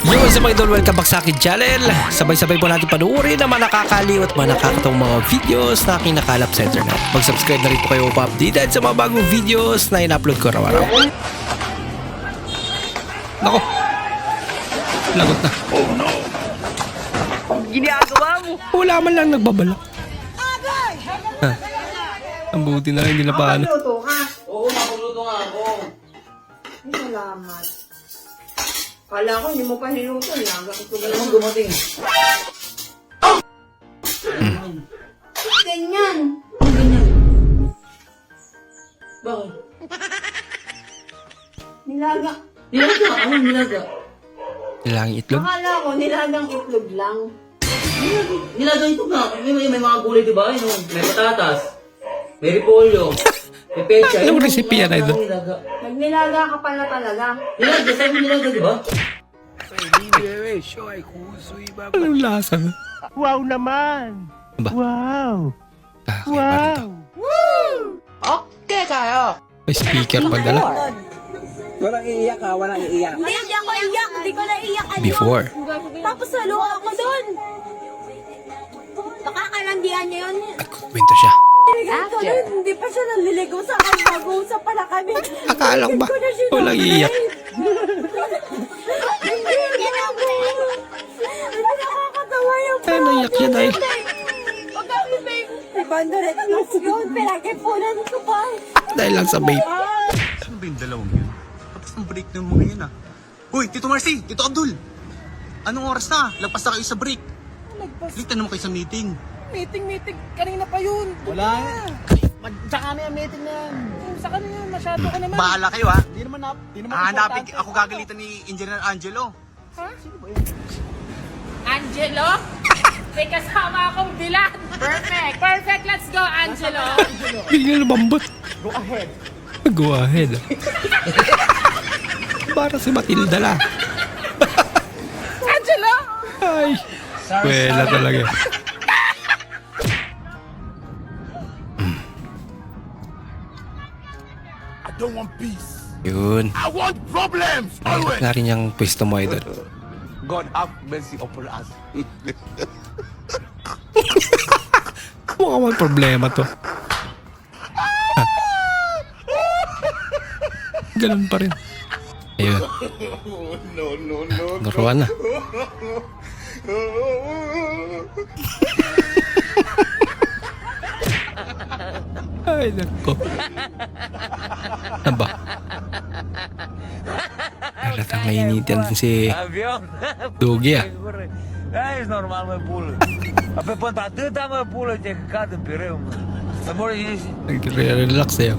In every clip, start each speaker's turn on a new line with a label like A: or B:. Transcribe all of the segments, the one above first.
A: Yo, what's up mga idol? Welcome back sa akin channel. Sabay-sabay po natin panuorin ang mga nakakaliw at mga nakakatawang mga videos na aking nakalap sa internet. Mag-subscribe na rin po kayo updated sa mga bagong videos na in-upload ko araw-araw. Nako, lagot na. Oh no. Ginagawa mo? Wala man lang nagbabala. Ang buti na lang, hindi na paano.
B: Magluto ka?
C: Oo, makuluto nga ako.
B: Salamat. Kala ko, hindi mo pa niluto. Laga ko ito
C: Alam mo dumating.
B: Ganyan.
C: Ganyan. Bakit?
B: Nilaga.
C: Nilaga? Ano nilaga?
A: Nilagang itlog?
B: Akala ko, nilagang itlog lang.
C: Nilaga ito nga. May mga gulay diba? May patatas. May repolyo. May pecha.
A: Anong recipe yan, idol?
C: Nilaga.
B: Nagnilaga ka pala talaga.
C: Nilaga? Saan mo nilaga diba?
A: Anong lasa?
D: Wow naman!
A: Ba?
D: Wow!
A: Wow!
B: Okay kayo.
A: May speaker pa dala.
E: Walang iiyak ha, walang iiyak.
F: Hindi ako iyak, hindi ko naiyak. Ano?
A: Before.
F: Tapos halo ako doon. Nakakalandian niya yun.
A: Nagkukwento siya.
F: Ito rin, hindi pa siya nanliligaw sa akin. Mag-uusap pala kami.
A: Akala ko ba? Walang iiyak.
F: Hindi, ginagawa. Hindi nakakatawa yung
A: Ay, naiyak siya dahil.
F: Pag kami may 500 plus yun, pinag-ipunan ko pa.
A: Dahil lang sa vape.
G: Ano ba yung dalawang yun? Tapos ang break ng mga yan ah. Hoy, Tito Marcy! Tito Abdul! Anong oras na? Lagpas na kayo sa break. Late na naman kayo sa meeting.
D: Meeting. Kanina pa yun.
G: Wala.
D: Sa kanya yung meeting na yan. Sa kanya, masyado ka naman.
G: Bahala kayo ha.
D: Di naman
G: Hahanapin ako gagalitan ni Engineer Angelo.
H: Angelo? May kasama akong dilan. Perfect. Perfect. Let's go, Angelo.
A: Bigla lumambot.
D: Go ahead.
A: Go ahead. Para si Matilda lang.
H: Angelo?
A: Ay. Wala talaga.
G: I don't want peace.
A: Yun.
G: I want problems
A: Bakit nga rin yung pwesto mo, idol?
G: God have mercy upon us.
A: Mukha may problema to. Ganun pa rin. Ayun.
G: No.
A: Nuruan na. Ay, nako. Ano ba? Halatang mainitin din si Dugi ah.
I: Da, ești normal, mă, pulă. Pe până atâta, mă, pulă, te cad în pireu, mă. Să mori ești.
A: Nagre-relax sa'yo.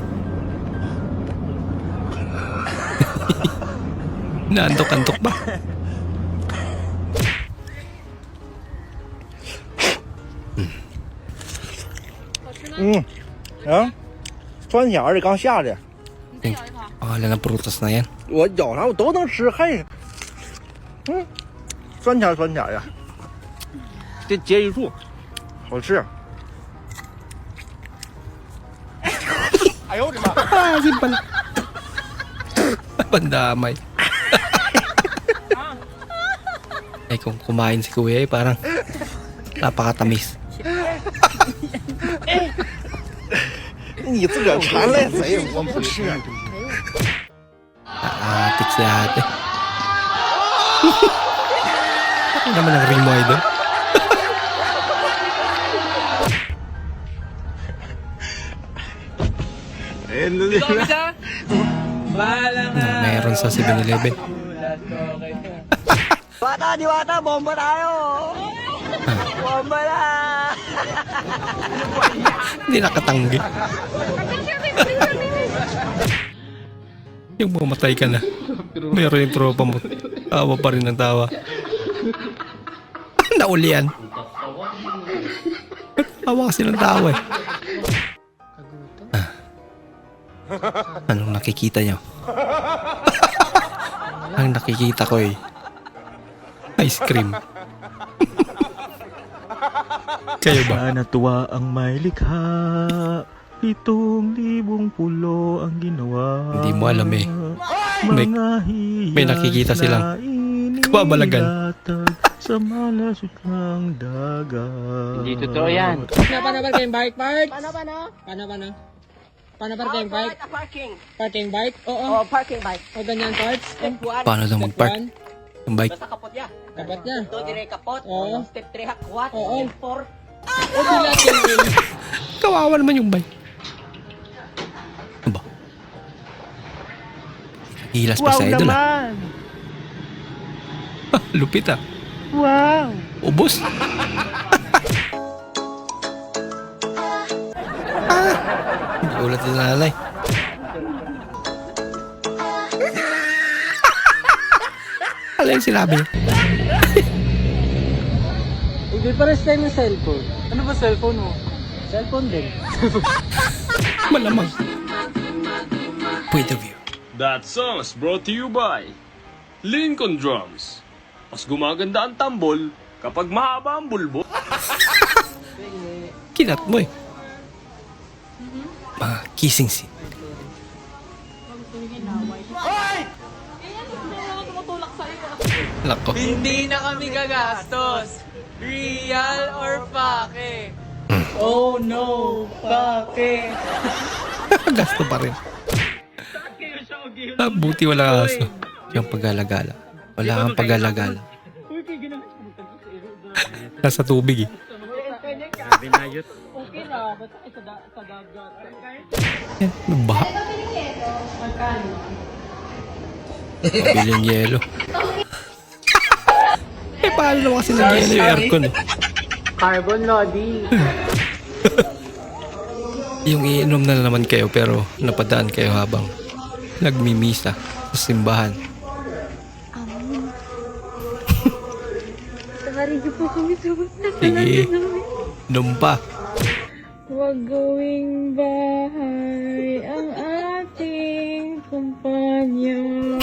A: Naantok-antok ba?
D: 酸小而且刚下的，
A: Pangalan ng prutas na yan.
D: 我咬上我都能吃，嘿，酸甜的，这结一处，好吃。哎呦我的妈！
A: Asin pala. Pandamay. Ay, kung kumain si Kuya, parang napakatamis.
D: 你自个儿馋赖谁？我不吃。
A: Aatik si ate. Ano naman ang ring mo, idol? Meron sa 7-Eleven.
E: Diwata, diwata, bomba tayo! Bomba na!
A: Hindi nakatanggi. Yung mamatay ka na. Meron yung tropa mo. Tawa pa rin ng tawa. Naulian. Tawa kasi ng tawa eh. Anong nakikita nyo? Ang nakikita ko eh, ice cream. Kayo ba?
J: Natuwa ang may likha, 7,000 pulo ang ginawa.
A: Hindi mo alam eh. May nakikita silang Kababalagan.
J: ilatag sa malasot ng dagat.
C: Hindi totoo yan.
H: Paano ba kayong bike, Park?
F: Paano?
H: Paano ba kayong bike?
F: Parking.
H: Parking bike? Oo.
F: Oh, parking bike.
H: O ganyan, Parks?
F: Step 1.
A: Paano daw mag-park? Ang bike.
F: Basta kapot ya.
H: Kapat niya.
F: Do dire kapot.
H: Oo.
F: Step 3 hakwat.
H: Oo.
F: Step 4.
H: O sila tingin.
A: Kawawa naman yung bike. Ano ba? Hilas pa sa idol ah. Lupit ah.
E: Wow!
A: Ubus. Ulat yung nanay. Ano yung sinabi niya?
H: Hindi pares tayo ng cellphone. Ano ba cellphone mo? Cellphone din.
A: Malamang. Point of view.
K: That song is brought to you by Lincoln Drums. Mas gumaganda ang tambol kapag mahaba ang bulbo.
A: Kinat mo eh. Mga kissing scene. Lako.
E: Hindi na kami gagastos. Real or pake?
H: Oh no, pake.
A: Gasto pa rin. Buti wala aso. Yung pag-alagala. Wala kang pag-alagala. Nasa tubig eh.
H: Okay na, ba't tayo sa dagat?
A: Yan, baha. Mabili yung yelo. Paano naman kasi nag-yelo yung aircon eh.
H: Carbon loading.
A: Yung iinom na naman kayo pero napadaan kayo habang nagmimisa sa simbahan.
F: Nakaridyo po kami sa
A: Sige, inom pa.
F: Huwag gawing bahay ang ating kumpanya.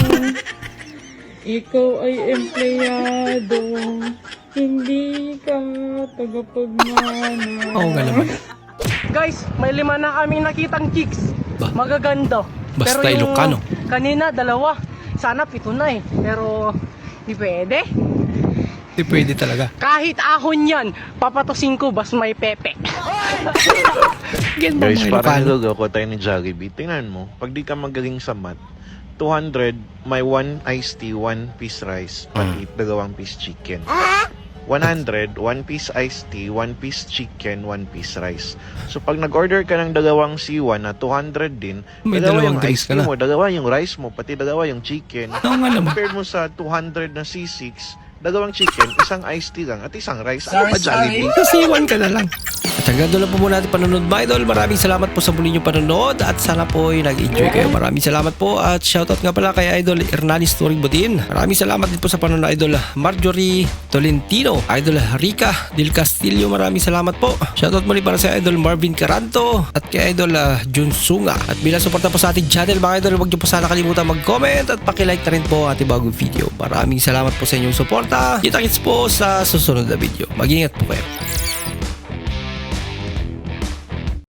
F: Ikaw ay empleyado, hindi ka tagapagmana.
A: Oo nga naman.
E: Guys, may 5 na kami nakitang chicks.
A: Ba?
E: Magaganda.
A: Basta
E: Pero yung
A: Ilocano.
E: kanina, 2. Sana 7 na eh. Pero, di pwede.
A: Hindi pwede talaga.
E: Kahit ahon yan, papatusin ko bas may pepe.
A: Again ba
J: Guys,
A: mga
J: parang
A: Ilocano?
J: nilagaw ko tayo ni Jollibee. Tingnan mo, pag di ka magaling sa math, 200, may 1 iced tea, 1 piece rice, pati 2 piece chicken. 100, 1 piece iced tea, 1 piece chicken, 1 piece rice. So pag nag-order ka ng 2 C1 na 200 din,
A: May
J: 2 yung
A: dalawang drinks
J: iced
A: ka
J: tea
A: na.
J: mo, 2 yung rice mo, pati 2 yung chicken.
A: Oo nga naman.
J: Compared mo sa 200 na C6, 2 chicken, 1 iced tea lang, at 1 rice. Ano pa Jollibee?
A: Kasi iwan ka na lang. At hanggang doon lang po muna natin panonood mga idol. Maraming salamat po sa muli nyo panonood at sana po ay nag-enjoy kayo. Maraming salamat po at shoutout nga pala kay Idol Hernanis Turing Budin. Maraming salamat din po sa panonood Idol Marjorie Tolentino, Idol Rica Del Castillo. Maraming salamat po. Shoutout muli para sa Idol Marvin Caranto at kay Idol Jun Sunga. At bilang suporta po sa ating channel mga idol, huwag nyo po sana kalimutan mag-comment at pakilike na rin po ang ating bagong video. Maraming salamat po sa inyong suporta. Kita-kits po sa susunod na video. Mag-ingat po kayo.